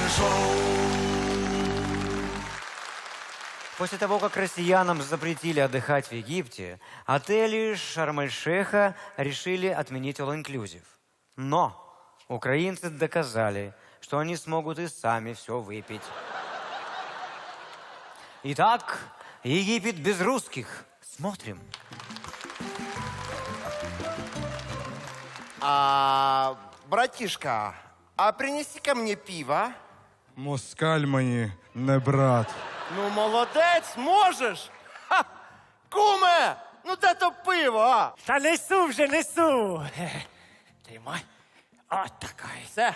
После того, как россиянам запретили отдыхать в Египте, отели Шарм-эль-Шейха решили отменить all-inclusive. Но украинцы доказали, что они смогут и сами все выпить. Итак, Египет без русских. Смотрим. Братишка, а принеси-ка мне пиво. Москаль мені не брат. Ну, молодець, можеш. Ха! Куме, ну де то пиво, а? Та несу вже, несу. Тримай. От така. Все.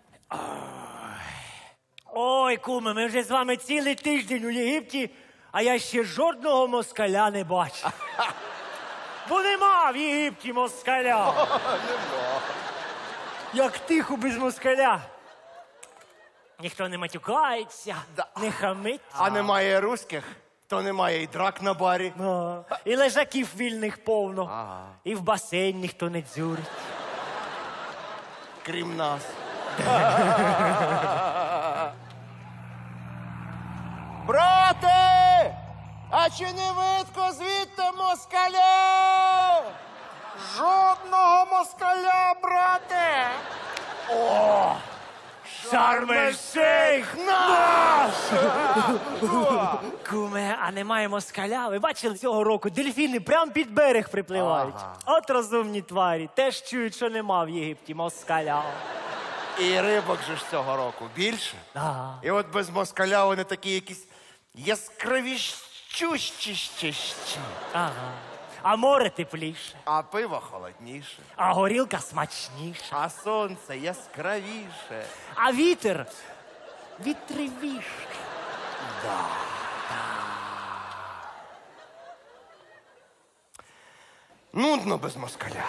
Ой, куме, ми вже з вами цілий тиждень у Єгипті, а я ще жодного москаля не бачив. Бо нема в Єгипті москаля. Як тихо без москаля. Ніхто не матюкається, не хамить. А немає русських, то немає і драк на барі. І лежаків вільних повно. І в басейн ніхто не дзюрить. Крім нас. Брате! А чи не видко звідти москаля? Жодного москаля, брате! Шарм-ель-Шейх наш! Куме, а немає москаля? Ви бачили цього року? Дельфіни прямо під берег припливають. От розумні тварі. Теж чують, що нема в Єгипті москаля. І рибок же ж цього року більше. І от без москаля вони такі якісь яскравіщущі. Ага. А море тепліше, А пиво холодніше. а горілка смачніша, А сонце яскравіше. а вітер вітривіше. Нудно без москаля.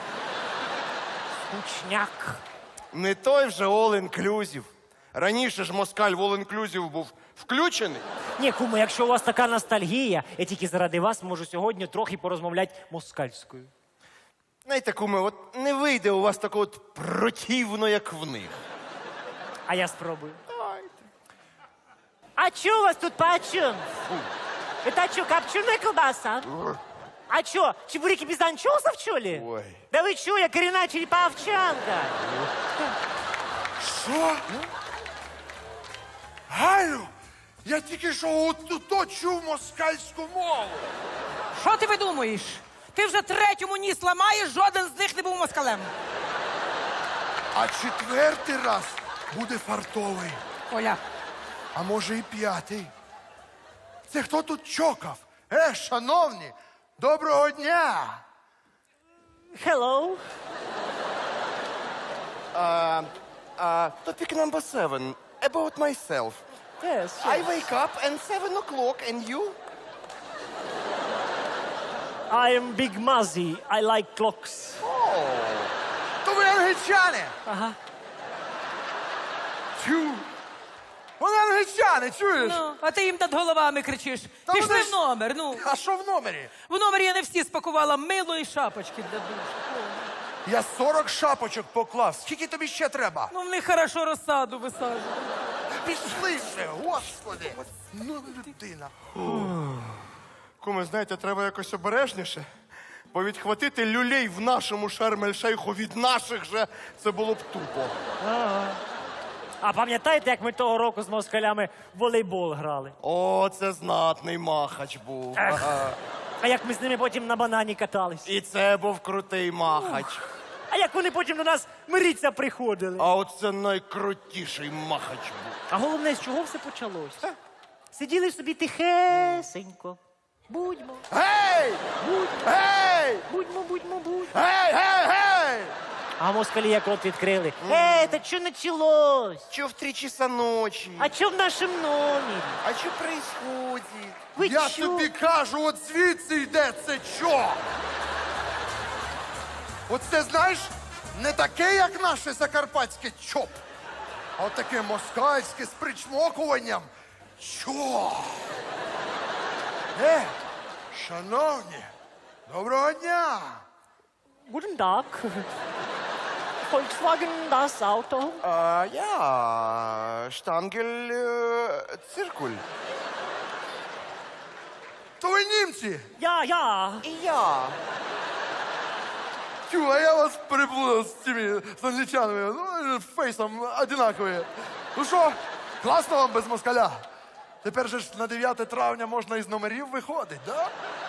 Скучняк. Не той вже all-inclusive. Раніше ж москаль в all-inclusive був включений. Ні, куме, якщо у вас така ностальгія, я тільки заради вас можу сьогодні трохи порозмовляти москальською. Знаєте, куме, от не вийде у вас такого от противно, як в них. А я спробую. А чё у вас тут почем? Это что, копченая колбаса? А чё, чебуреки без анчоусов, что ли? Ой. Да вы чё, я коренная череповчанка. Що? Галю, я тільки що от чув москальську мову. Що ти видумуєш? Ти вже третьому ніс ламаєш, жоден з них не був москалем. А четвертий раз буде фартовий. Оля, А може і п'ятий. Це хто тут чокав? Шановні, доброго дня! Hello. Topic number 7. About myself. Yes, I wake up and 7 o'clock and you? I am Big Muzzy. I like clocks. То ви англічани! Ага. Тю! Вони англічани, чуєш? ну, а ти їм над головами кричиш. Та Пішли вони в ж- номер, ну. А що в номері? В номері я не всі спакувала мило і шапочки для душу. Я 40 шапочок поклав. Скільки тобі ще треба? Ну, в них хорошо розсаду висаджують. Пішли вже, господи! Ну, людина. Куме, знаєте, треба якось обережніше. Бо відхватити люлей в нашому Шарм-ель-Шейху від наших же, це було б тупо. А пам'ятаєте, як ми того року з москалями в волейбол грали? О, це знатний махач був. Ех. Ага. А як ми з ними потім на банані катались? І це був крутий махач. А як вони потім до нас миріться приходили? А оце найкрутіший махач був. А головне, з чого все почалося? Сиділи собі тихесенько. Будьмо, Гей! Гей! будьмо. Гей, гей, гей! А москалі як рот відкрили. Та що началось? Чё в 3 часа ночи? А що в нашому номері? А что происходит? Ви Я чо? тобі кажу, от звідси йде це чо? Оце, знаєш, не таке, як наше закарпатське чоп, а от таке москальське з причмокуванням. Чо? Шановні, доброго дня! Guten Tag. Volkswagen das Auto. Я штангель циркуль. То ви німці? Я. І я. Тю, а я вас переплутав з цими з англічанами. Ну, фейсом одинакові. Ну що, класно вам без москаля? Тепер же ж на 9 травня можна із номерів виходить, да?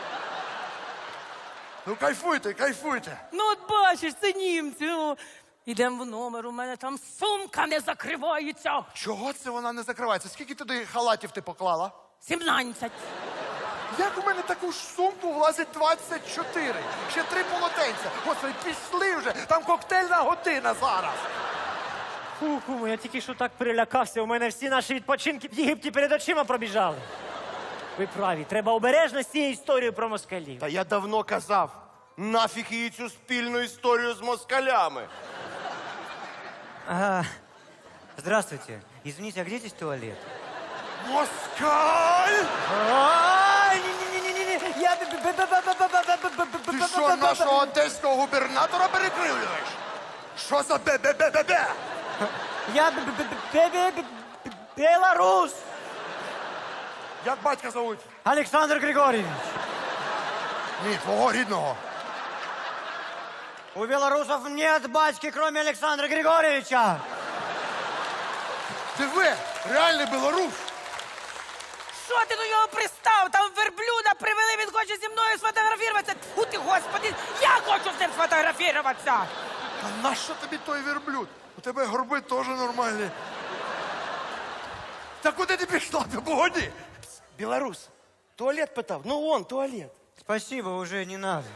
Ну кайфуйте, кайфуйте. Ну, от бачиш, це німці. Ну. Ідемо в номер, у мене там сумка не закривається. Чого це вона не закривається? Скільки туди халатів ти поклала? 17. Як у мене таку ж сумку влазить 24? Ще 3 полотенця. Господи, пішли вже, там коктейльна година зараз. Фу, куме, я тільки що так перелякався. У мене всі наші відпочинки в Єгипті перед очима пробіжали. Ви праві, треба обережно з цією історією про москалів. Та я давно казав, нафіг її цю спільну історію з москалями. Здравствуйте. Извините, а где здесь туалет? Москаль! Ай, не-не-не-не, я... Ти що, нашого одеського губернатора перекривлюєш? Що за бе-бе-бе-бе-бе? Я белорус! Як батька зовуть? Александр Григорьевич! Ні, твого рідного. У белорусов нет батьки, кроме Александра Григорьевича! Ти ви, реальний білорус. Що ти до нього пристав? Там верблюда привели, він хоче зі мною сфотографуватися. Тьфу ти, господи, я хочу з ним сфотографуватися. Та нащо тобі той верблюд? У тебе горби теж нормальні. Та куди ти пішла? Ти погоді. Білорус, туалет питав. Ну вон, туалет. Спасибо, уже не надо.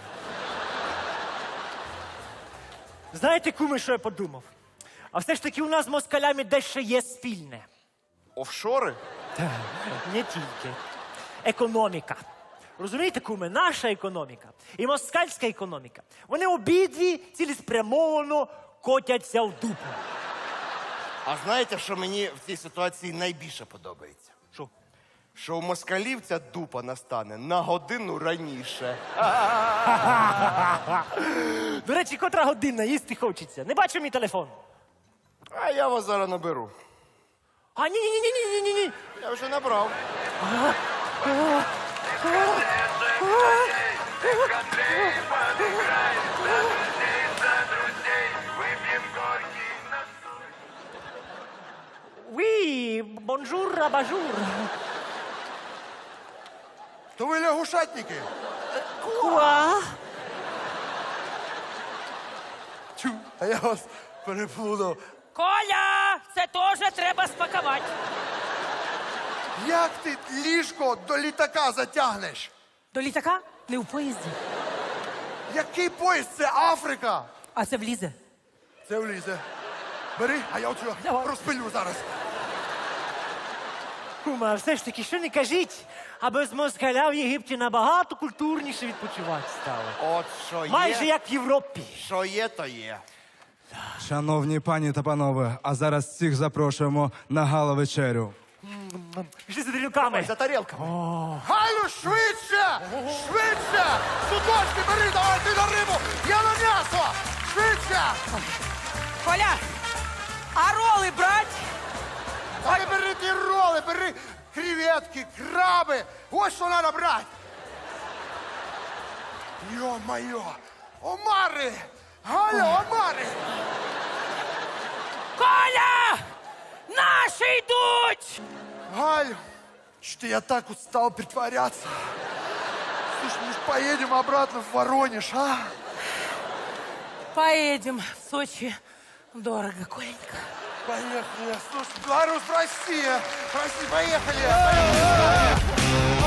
Знаєте, куме, що я подумав? А все ж таки у нас з москалями дещо є спільне. Офшори? Не тільки. Економіка. Розумієте, куме, наша економіка і москальська економіка, вони обидві цілеспрямовано котяться в дупу. А знаєте, що мені в цій ситуації найбільше подобається? Що? Що у москалів ця дупа настане на годину раніше. До речі, котра година, їсти хочеться. Не бачу мій телефон. А я вас зараз наберу. А ні. Я вже набрав. Oui, бонжур, абажур. То ви лягушатники. Куа? Тю, а я вас переплутав. Коля, це теж треба спакувати. Як ти ліжко до літака затягнеш? До літака? Не в поїзді. Який поїзд? Це Африка. А це влізе. Це влізе. Бери, а я оцю Давай. розпилю зараз. Кума, все ж таки, що не кажіть, а без москаля в Єгипті набагато культурніше відпочивати стало. От що є. Майже як в Європі. Що є, то є. Шановні пані та панове, а зараз всіх запрошуємо на гала-вечерю. Пішли за тарілками. За тарілками. Галю, швидше! Швидше! Судочки бери, давай ти на рибу! Я на м'ясо! Швидше! Коля, а роли брать? Та не бери ті роли, бери креветки, краби! Ось що треба брати! Йо-майо! Омари! Галю, омари! Коля! Наші йдуть! Галю, что я так устал притворяться. Слушай, мы ж поедем обратно в Воронеж, а? Поедем в Сочи. Дорого, Коленька. Поехали. Слушай, Беларусь, Россия. Прости, поехали.